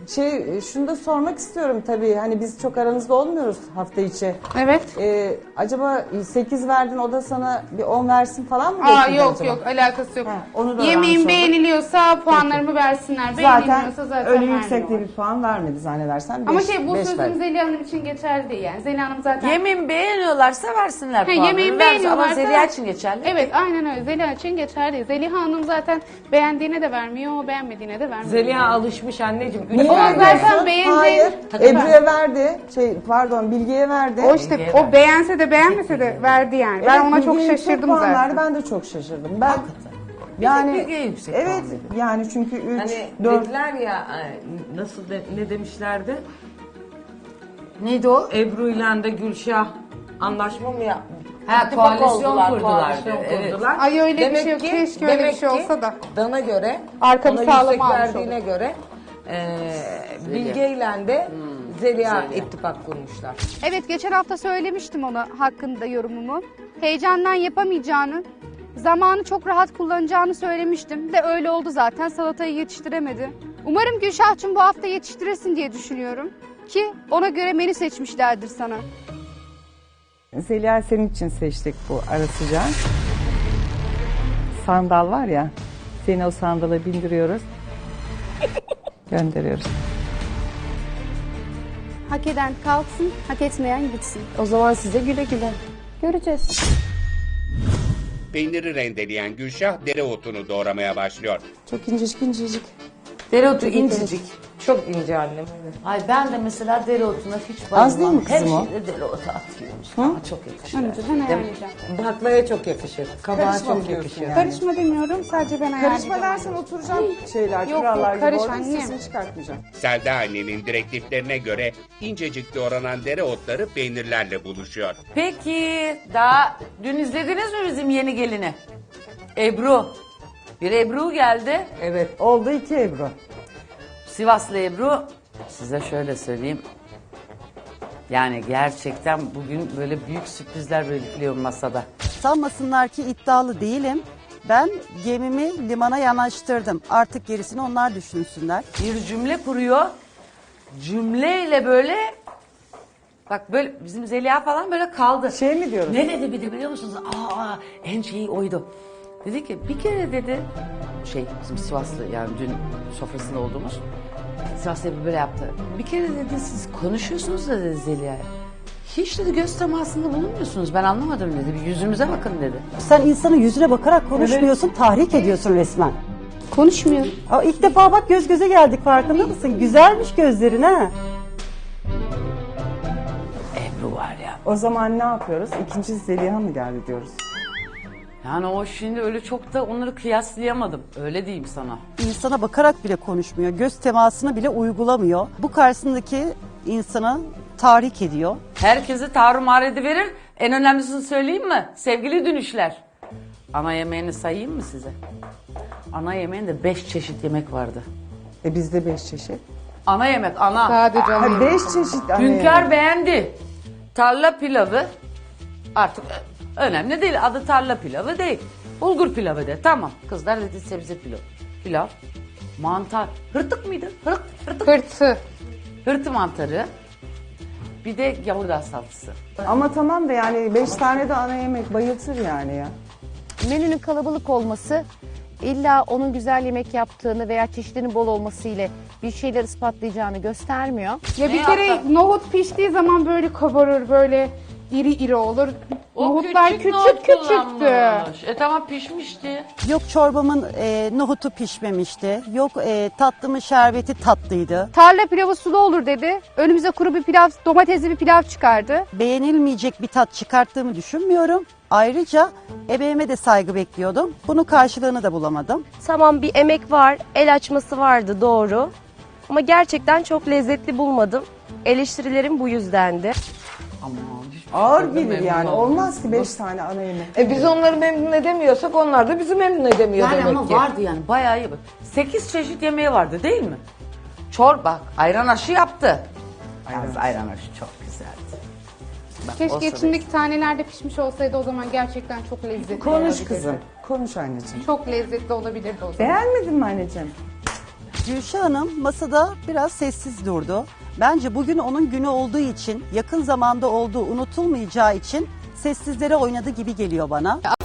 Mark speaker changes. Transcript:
Speaker 1: Şunu da sormak istiyorum tabii. Hani biz çok aranızda olmuyoruz hafta içi.
Speaker 2: Evet.
Speaker 1: Acaba 8 verdin, o da sana bir 10 versin falan mı?
Speaker 2: Aa
Speaker 1: bekledi
Speaker 2: yok
Speaker 1: acaba?
Speaker 2: yok, alakası yok.
Speaker 1: Ha, onu da öğrenmiş
Speaker 2: Yemeğim
Speaker 1: olduk.
Speaker 2: beğeniliyorsa puanlarımı versinler.
Speaker 1: Zaten
Speaker 2: Beğenilmiyorsa zaten
Speaker 1: öyle yüksek de
Speaker 2: vermiyorlar.
Speaker 1: bir puan vermedi zannedersen.
Speaker 2: Ama bu
Speaker 1: beş
Speaker 2: sözüm
Speaker 1: verdi.
Speaker 2: Zeliha Hanım için geçerli değil yani. Zeliha Hanım zaten...
Speaker 3: Yemeğimi beğeniyorlarsa versinler puanları.
Speaker 2: yemeğimi
Speaker 3: Versin. Ama
Speaker 2: beğeniyorlarsa...
Speaker 3: Zeliha için geçerli.
Speaker 2: Evet aynen öyle. Zeliha için geçerli değil. Zeliha Hanım zaten beğendiğine de vermiyor, beğenmediğine de vermiyor.
Speaker 4: Zeliha alışmış anneciğim.
Speaker 1: Niye
Speaker 2: Ama
Speaker 1: vermiyorsun?
Speaker 2: zaten beğendiğin-
Speaker 1: Hayır.
Speaker 2: Tabii.
Speaker 1: Ebru'ya verdi. Bilge'ye verdi.
Speaker 2: O işte o beğense de beğenmese de verdi yani. Ben
Speaker 1: Evet,
Speaker 2: ona çok
Speaker 1: Bilge'ye
Speaker 2: şaşırdım
Speaker 1: puan
Speaker 2: zaten.
Speaker 1: verdi, ben de çok şaşırdım. Ben yani
Speaker 3: Bilge'ye yüksek puan
Speaker 1: evet
Speaker 3: verdi.
Speaker 1: yani çünkü 3
Speaker 4: Hani
Speaker 1: 4
Speaker 4: dediler ya ne demişlerdi?
Speaker 3: Neydi o?
Speaker 4: Ebru ile de Gülşah anlaşma mı yapmış?
Speaker 3: Ha,
Speaker 4: İttifak
Speaker 3: koalisyon
Speaker 4: oldular,
Speaker 3: kurdular.
Speaker 4: koalisyon
Speaker 3: Evet.
Speaker 4: kurdular.
Speaker 2: Ay öyle bir
Speaker 4: Demek
Speaker 2: şey yok.
Speaker 4: ki-
Speaker 2: Keşke öyle bir
Speaker 4: demek
Speaker 2: şey
Speaker 4: ki
Speaker 2: olsa da.
Speaker 4: Dana göre,
Speaker 2: Arkamı
Speaker 4: ona
Speaker 2: sağlam
Speaker 4: yüksek
Speaker 2: almış
Speaker 4: verdiğine göre Bilge ile de Zeliha ittifak kurmuşlar.
Speaker 5: Evet, geçen hafta söylemiştim ona hakkında yorumumu. Heyecandan yapamayacağını, zamanı çok rahat kullanacağını söylemiştim. De öyle oldu zaten, salatayı yetiştiremedi. Umarım Gülşah'cığım bu hafta yetiştiresin diye düşünüyorum. Ki ona göre menü seçmişlerdir sana.
Speaker 1: Zeliha senin için seçtik bu ara sıcağı. Sandal var ya, seni o sandala bindiriyoruz. Gönderiyoruz.
Speaker 5: Hak eden kalksın, hak etmeyen gitsin.
Speaker 6: O zaman size güle güle.
Speaker 5: Göreceğiz.
Speaker 7: Peyniri rendeleyen Gülşah dereotunu doğramaya başlıyor.
Speaker 1: Çok incecik.
Speaker 3: Dereotu incecik.
Speaker 4: Çok ince annem.
Speaker 3: Ay ben de mesela dereotuna hiç bayılmam.
Speaker 1: Az değil mi kızım
Speaker 3: Her
Speaker 1: o?
Speaker 3: şeyde dereotu atıyoruz. Ama çok yakışır.
Speaker 2: Ben ayarlayacağım.
Speaker 4: Baklaya çok yakışır. Kabağa
Speaker 1: Karışma
Speaker 4: çok
Speaker 1: diyorsun
Speaker 4: yakışır.
Speaker 1: yani.
Speaker 2: Karışma demiyorum, sadece ben ayarlayacağım.
Speaker 1: Karışma dersen oturacağım şeyler,
Speaker 2: Yok,
Speaker 1: kurallar gibi
Speaker 2: karış
Speaker 1: orada
Speaker 2: annem.
Speaker 1: sesini çıkartmayacağım.
Speaker 7: Selda annenin direktiflerine göre incecik doğranan dereotları peynirlerle buluşuyor.
Speaker 3: Peki daha dün izlediniz mi bizim yeni gelini? Ebru. Bir Ebru geldi.
Speaker 4: Evet.
Speaker 1: Oldu 2 Ebru.
Speaker 3: Sivaslı Ebru. Size şöyle söyleyeyim. Yani gerçekten bugün böyle büyük sürprizler bekliyor masada.
Speaker 8: Sanmasınlar ki iddialı değilim. Ben gemimi limana yanaştırdım. Artık gerisini onlar düşünsünler.
Speaker 3: Bir cümle kuruyor. Cümleyle böyle bak böyle bizim Zeliha falan böyle kaldı.
Speaker 1: Şey mi diyoruz?
Speaker 3: Ne dedi bir de biliyor musunuz? En şeyi oydu. Dedi ki bir kere dedi bizim Sivaslı yani dün sofrasında olduğumuz Sivaslı Ebru böyle yaptı. Bir kere dedi siz konuşuyorsunuz da dedi Zeliha'ya. Hiç dedi göz temasında bulunmuyorsunuz. Ben anlamadım dedi. Bir yüzümüze bakın dedi.
Speaker 8: Sen insanın yüzüne bakarak konuşmuyorsun, tahrik ediyorsun resmen.
Speaker 5: Konuşmuyorum.
Speaker 8: Aa, ilk defa bak göz göze geldik, farkında mısın? Güzelmiş gözlerin ha.
Speaker 3: Ebru var ya.
Speaker 1: O zaman ne yapıyoruz? İkinci Zeliha mı geldi diyoruz?
Speaker 3: Yani o şimdi öyle çok da onları kıyaslayamadım. Öyle diyeyim sana.
Speaker 8: İnsana bakarak bile konuşmuyor, göz temasını bile uygulamıyor. Bu karşısındaki insana tahrik ediyor.
Speaker 3: Herkesi tarumar ediverir. En önemlisini söyleyeyim mi? Sevgili dünüşler. Ana yemeğini sayayım mı size? Ana yemeğinde 5 çeşit yemek vardı.
Speaker 1: Bizde 5 çeşit.
Speaker 3: Ana yemek, ana.
Speaker 2: Sadece
Speaker 1: Ha
Speaker 2: onu
Speaker 1: 5 çeşit ana
Speaker 3: Hünkar
Speaker 1: yemek.
Speaker 3: beğendi. Tarla pilavı. Artık önemli değil. Adı tarla pilavı değil. Bulgur pilavı de. Tamam. Kızlar dedi sebze pilavı. Pilav. Mantar. Hırtık mıydı? Hırtık.
Speaker 2: Hırtı.
Speaker 3: Hırtı mantarı. Bir de yavurdağ salatası.
Speaker 1: Ama tamam da yani 5 tane de ana yemek bayıltır yani ya.
Speaker 6: Menünün kalabalık olması illa onun güzel yemek yaptığını veya çeşidinin bol olması ile bir şeyler ispatlayacağını göstermiyor.
Speaker 2: Ya bir kere nohut piştiği zaman böyle kabarır, böyle iri iri olur. Nohutlar küçük küçüktü.
Speaker 3: kullanmış. Tamam pişmişti.
Speaker 8: Yok çorbamın nohutu pişmemişti. Yok tatlımın şerbeti tatlıydı.
Speaker 5: Tarla pilavı sulu olur dedi. Önümüze kuru bir pilav, domatesli bir pilav çıkardı.
Speaker 8: Beğenilmeyecek bir tat çıkarttığımı düşünmüyorum. Ayrıca emeğime de saygı bekliyordum. Bunun karşılığını da bulamadım.
Speaker 6: Tamam, bir emek var, el açması vardı, doğru. Ama gerçekten çok lezzetli bulmadım. Eleştirilerim bu yüzdendi.
Speaker 3: Aman.
Speaker 1: Ağır gelir yani. Olmaz ki 5 tane ana yemek.
Speaker 4: Biz onları memnun edemiyorsak onlar da bizi memnun edemiyor
Speaker 3: Yani
Speaker 4: demek
Speaker 3: ama
Speaker 4: ki.
Speaker 3: vardı yani bayağı iyi. 8 çeşit yemeği vardı değil mi? Çorba, ayran aşı yaptı. Yalnız ayran aşı çok güzeldi. Bak, o
Speaker 2: Keşke
Speaker 3: sırada-
Speaker 2: içindeki taneler de pişmiş olsaydı, o zaman gerçekten çok lezzetli
Speaker 1: Konuş
Speaker 2: olabilirdi.
Speaker 1: kızım. Konuş anneciğim.
Speaker 2: Çok lezzetli olabilirdi o zaman.
Speaker 1: Beğenmedin mi anneciğim?
Speaker 8: Gülşah Hanım masada biraz sessiz durdu. Bence bugün onun günü olduğu için, yakın zamanda olduğu unutulmayacağı için sessizlere oynadı gibi geliyor bana.